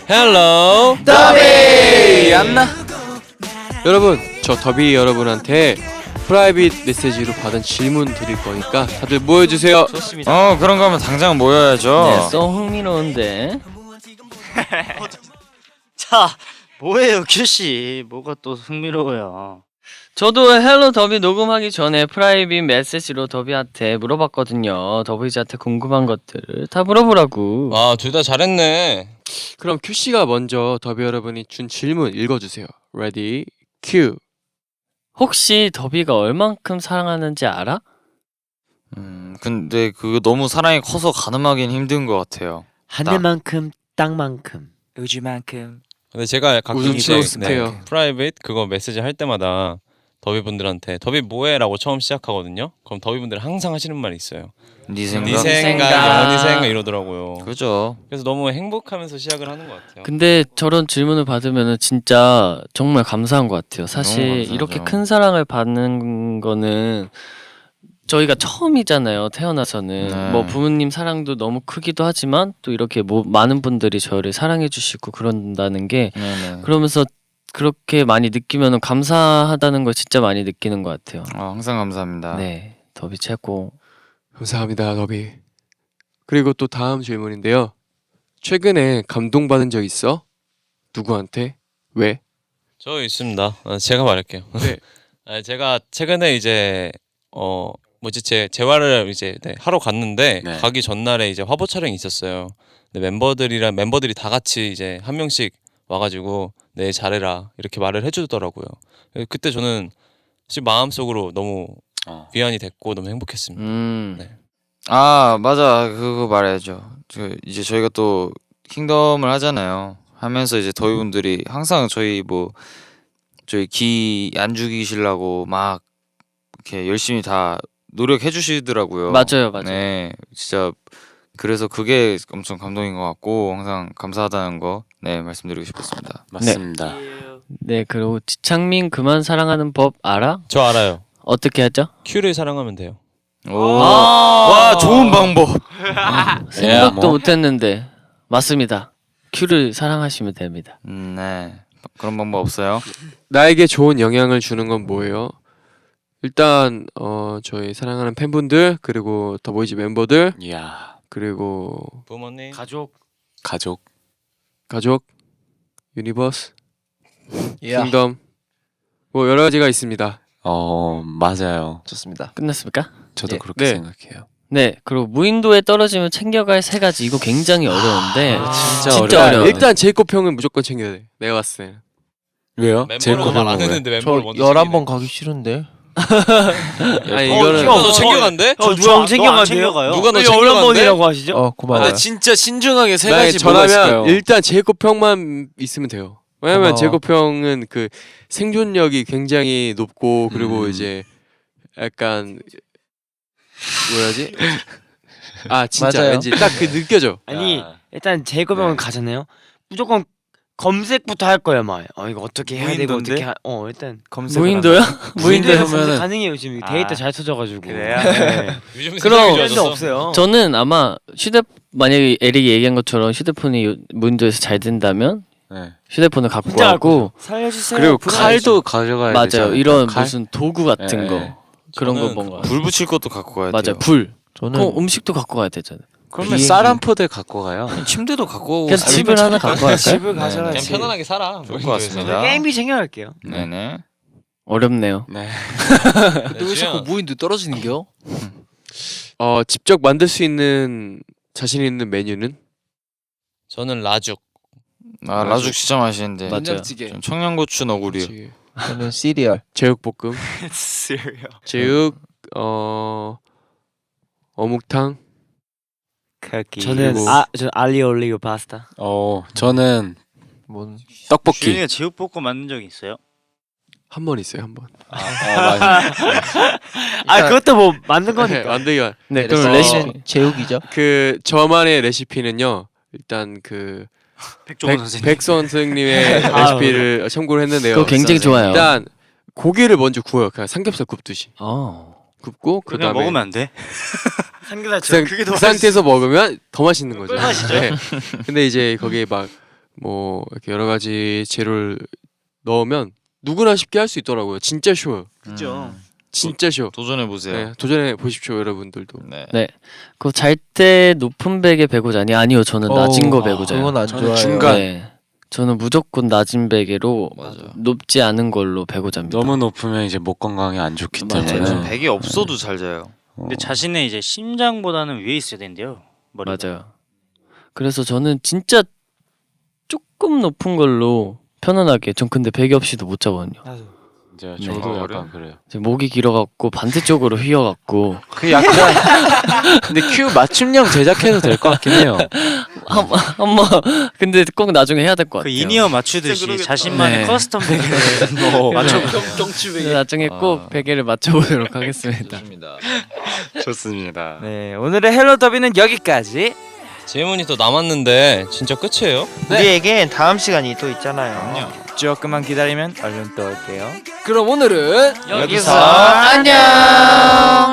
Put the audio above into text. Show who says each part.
Speaker 1: 헬로
Speaker 2: 더비 안나.
Speaker 1: 여러분, 저 더비 여러분한테 프라이빗 메시지로 받은 질문 드릴 거니까 다들 모여주세요.
Speaker 2: 좋습니다. 그런 거면 당장 모여야죠.
Speaker 3: 네, 써 흥미로운데.
Speaker 4: 자, 뭐예요, 큐씨? 뭐가 또 흥미로워요?
Speaker 3: 저도 헬로 더비 녹음하기 전에 프라이빗 메시지로 더비한테 물어봤거든요. 더비즈한테 궁금한 것들을 다 물어보라고.
Speaker 1: 아, 둘 다 잘했네. 그럼 큐씨가 먼저 더비 여러분이 준 질문 읽어주세요. 레디, 큐.
Speaker 3: 혹시 더비가 얼만큼 사랑하는지 알아?
Speaker 2: 근데 그거 너무 사랑이 커서 가늠하기는 힘든 것 같아요.
Speaker 5: 하늘만큼 땅만큼
Speaker 4: 우주만큼.
Speaker 6: 근데 제가 가끔
Speaker 1: 웃음
Speaker 6: 이제
Speaker 1: 스테요.
Speaker 6: 프라이빗 그거 메시지 할 때마다 더비 분들한테 더비 뭐해라고 처음 시작하거든요. 그럼 더비 분들 항상 하시는 말이 있어요.
Speaker 2: 네 생각.
Speaker 6: 네 생각,
Speaker 3: 생각.
Speaker 6: 네 생각 이러더라고요.
Speaker 2: 그죠.
Speaker 6: 그래서 너무 행복하면서 시작을 하는 것 같아요.
Speaker 3: 근데 저런 질문을 받으면 진짜 정말 감사한 것 같아요.
Speaker 2: 너무
Speaker 3: 사실
Speaker 2: 감사하죠.
Speaker 3: 이렇게 큰 사랑을 받는 거는 저희가 처음이잖아요. 태어나서는
Speaker 2: 네.
Speaker 3: 뭐 부모님 사랑도 너무 크기도 하지만 또 이렇게 뭐 많은 분들이 저를 사랑해 주시고 그런다는 게
Speaker 2: 네네.
Speaker 3: 그러면서 그렇게 많이 느끼면 감사하다는 걸 진짜 많이 느끼는 것 같아요.
Speaker 2: 항상 감사합니다.
Speaker 3: 네, 더비 최고.
Speaker 1: 감사합니다, 더비. 그리고 또 다음 질문인데요. 최근에 감동받은 적 있어? 누구한테? 왜?
Speaker 6: 저 있습니다. 제가 말할게요.
Speaker 1: 네.
Speaker 6: 제가 최근에 이제 뭐지 제 재활을 이제 하러 갔는데
Speaker 2: 네.
Speaker 6: 가기 전날에 이제 화보 촬영이 있었어요. 근데 멤버들이 다 같이 이제 한 명씩 와가지고 네 잘해라 이렇게 말을 해주더라고요. 그때 저는 사실 마음속으로 너무 위안이 됐고 너무 행복했습니다.
Speaker 3: 음.
Speaker 6: 네.
Speaker 2: 맞아. 그거 말해야죠. 이제 저희가 또 킹덤을 하잖아요. 하면서 이제 더위분들이 항상 저희 기 안 죽이시려고 막 이렇게 열심히 다 노력해 주시더라고요.
Speaker 3: 맞아요.
Speaker 2: 네, 진짜 그래서 그게 엄청 감동인 것 같고 항상 감사하다는 거 말씀드리고 싶었습니다.
Speaker 5: 맞습니다.
Speaker 3: 네, 그리고 지창민 그만 사랑하는 법 알아?
Speaker 6: 저 알아요.
Speaker 3: 어떻게 하죠?
Speaker 6: 큐를 사랑하면 돼요.
Speaker 2: 와, 좋은 방법.
Speaker 3: 생각도 못했는데 맞습니다. 큐를 사랑하시면 됩니다.
Speaker 2: 네, 그런 방법 없어요?
Speaker 1: 나에게 좋은 영향을 주는 건 뭐예요? 일단 저희 사랑하는 팬분들, 그리고 더보이즈 멤버들,
Speaker 5: 이야,
Speaker 1: 그리고
Speaker 6: 부모님.
Speaker 4: 가족.
Speaker 5: 가족.
Speaker 1: 가족, 유니버스, 킹덤, 뭐 여러 가지가 있습니다.
Speaker 5: 맞아요. 좋습니다.
Speaker 3: 끝났습니까?
Speaker 5: 저도
Speaker 3: 예.
Speaker 5: 그렇게
Speaker 1: 네.
Speaker 5: 생각해요.
Speaker 3: 네, 그리고 무인도에 떨어지면 챙겨갈 세 가지 이거 굉장히 어려운데
Speaker 5: 진짜
Speaker 3: 진짜
Speaker 5: 어려워요.
Speaker 3: 어려워요.
Speaker 1: 일단 제이콥 형은 무조건 챙겨야 돼. 내가 봤을 때는.
Speaker 5: 왜요?
Speaker 6: 멤버로 말안 했는데 멤버를 먼저
Speaker 7: 11번 가기 싫은데.
Speaker 1: 아니 이거는
Speaker 6: 너 챙겨간대?
Speaker 4: 누가 챙겨가요?
Speaker 6: 누가 너
Speaker 4: 왜
Speaker 6: 챙겨간대?
Speaker 4: 11번이라고 하시죠?
Speaker 5: 고마워요.
Speaker 7: 진짜 신중하게 세
Speaker 1: 만약에
Speaker 7: 가지 뭐가 있을까요?
Speaker 1: 전하면 일단 제이콥 형만 있으면 돼요. 왜냐면
Speaker 7: 고마워.
Speaker 1: 제이콥 형은 그 생존력이 굉장히 높고 그리고 이제 약간 뭐라지? 진짜
Speaker 7: 맞아요.
Speaker 1: 왠지 딱 그 느껴져.
Speaker 4: 아니, 일단 제이콥형은 가잖아요. 무조건 검색부터 할 거예요, 막. 이거 어떻게 해야 되고
Speaker 7: 무인도인데?
Speaker 4: 일단
Speaker 3: 무인도요? 무인도요?
Speaker 4: 검색 가능해요. 지금 데이터 잘 터져가지고. 그래요?
Speaker 6: 요즘
Speaker 3: 그럼-
Speaker 6: 세상이
Speaker 4: 도
Speaker 6: 좋아졌어.
Speaker 4: 없어요.
Speaker 3: 저는 아마 만약에 에릭이 얘기한 것처럼 휴대폰이 무인도에서 잘 된다면
Speaker 5: 네.
Speaker 3: 휴대폰을 갖고
Speaker 4: 진짜
Speaker 3: 가고
Speaker 4: 살려주세요.
Speaker 5: 그리고
Speaker 4: 불안해서.
Speaker 5: 칼도 가져가야
Speaker 3: 맞아요.
Speaker 5: 되잖아요.
Speaker 3: 이런
Speaker 5: 칼?
Speaker 3: 무슨 도구 같은
Speaker 5: 네.
Speaker 3: 거 그런 거
Speaker 6: 저는
Speaker 3: 뭔가
Speaker 2: 불 붙일 것도 갖고 가야 돼요.
Speaker 3: 맞아요. 불.
Speaker 7: 저는
Speaker 3: 그럼 음식도 갖고 가야 되잖아요.
Speaker 5: 그러면
Speaker 7: 비행기.
Speaker 5: 쌀 한 포대 갖고 가요.
Speaker 2: 침대도 갖고
Speaker 3: 그냥 집을 하나 갖고 갈까요?
Speaker 4: 집을
Speaker 2: 네,
Speaker 4: 가져야지.
Speaker 6: 그냥 편안하게 살아.
Speaker 2: 좋을 것
Speaker 6: 무인도에서.
Speaker 2: 같습니다.
Speaker 4: 게임비 챙겨갈게요.
Speaker 2: 네네.
Speaker 3: 어렵네요.
Speaker 5: 네.
Speaker 7: 근데 왜 자꾸 무인도 떨어지는겨?
Speaker 1: 직접 만들 수 있는 자신 있는 메뉴는?
Speaker 6: 저는 라죽.
Speaker 2: 라죽 진짜 맛있는데.
Speaker 3: 맞아요.
Speaker 7: 된장찌개.
Speaker 2: 전 청양고추 너구리요.
Speaker 1: 그치.
Speaker 7: 저는 시리얼.
Speaker 1: 제육볶음, 제육, 어묵탕.
Speaker 4: 저는
Speaker 1: 그리고-
Speaker 4: 저 알리오 올리오 파스타.
Speaker 5: 저는
Speaker 7: 뭔
Speaker 5: 떡볶이.
Speaker 8: 주인이가 제육볶음 만든 적이 있어요?
Speaker 1: 한 번 있어요, 한 번.
Speaker 4: 그것도 뭐 만든 거니까.
Speaker 1: 만들기가.
Speaker 3: 네,
Speaker 1: 그래서-
Speaker 3: 그럼 레시피
Speaker 7: 제육이죠.
Speaker 1: 그 저만의 레시피는요. 일단 그
Speaker 8: 백종원 선생님.
Speaker 1: 백 선생님의 레시피를 참고를 했는데요.
Speaker 3: 그거 굉장히 좋아요.
Speaker 1: 일단 고기를 먼저 구워요. 그냥 삼겹살 굽듯이 굽고 그
Speaker 8: 그냥
Speaker 1: 다음에
Speaker 8: 먹으면 안 돼?
Speaker 4: 삼겹살
Speaker 1: 그 상태에서 먹으면 더 맛있는 거죠.
Speaker 8: 꿀맛이죠.
Speaker 1: 네. 근데 이제 거기에 막 뭐 이렇게 여러 가지 재료를 넣으면 누구나 쉽게 할 수 있더라고요. 진짜 쉬워요.
Speaker 8: 그죠.
Speaker 1: 진짜 쉬워.
Speaker 2: 도전해 보세요.
Speaker 1: 네, 도전해 보십시오, 여러분들도.
Speaker 2: 네.
Speaker 3: 그 잘 때 높은 베개 베고 자니? 아니요, 저는 낮은 거 베고 자요.
Speaker 7: 그건 안
Speaker 1: 저는
Speaker 7: 좋아요.
Speaker 5: 중간.
Speaker 3: 네. 저는 무조건 낮은 베개로
Speaker 2: 맞아.
Speaker 3: 높지 않은 걸로 베고 잡니다.
Speaker 5: 너무 높으면 이제 목 건강에 안 좋기
Speaker 3: 맞아요.
Speaker 5: 때문에.
Speaker 2: 저는 백이 없어도 잘 자요.
Speaker 8: 근데 자신의 이제 심장보다는 위에 있어야 된대요. 머리가.
Speaker 3: 맞아요. 그래서 저는 진짜 조금 높은 걸로 편안하게. 전 근데 베개 없이도 못 자거든요.
Speaker 5: 이제
Speaker 3: 네.
Speaker 5: 저도
Speaker 2: 아,
Speaker 5: 약간 그래요.
Speaker 3: 제 목이 길어갖고 반대쪽으로 휘어갖고
Speaker 5: 그 약간 근데 큐 맞춤형 제작해도 될 것 같긴 해요.
Speaker 3: 한번 근데 꼭 나중에 해야 될 것
Speaker 8: 그
Speaker 3: 같아요.
Speaker 8: 인이어 맞추듯이 자신만의
Speaker 3: 네.
Speaker 8: 커스텀 베개를 맞춰보세요.
Speaker 3: 그래서 나중에 꼭 베개를 맞춰보도록 하겠습니다.
Speaker 2: 좋습니다.
Speaker 5: 좋습니다.
Speaker 4: 네, 오늘의 헬로 더비는 여기까지.
Speaker 6: 질문이 또 남았는데 진짜 끝이에요?
Speaker 7: 우리에겐 다음 시간이 또 있잖아요.
Speaker 4: 조금만 기다리면 얼른 또 올게요.
Speaker 7: 그럼 오늘은
Speaker 3: 여기서
Speaker 7: 안녕.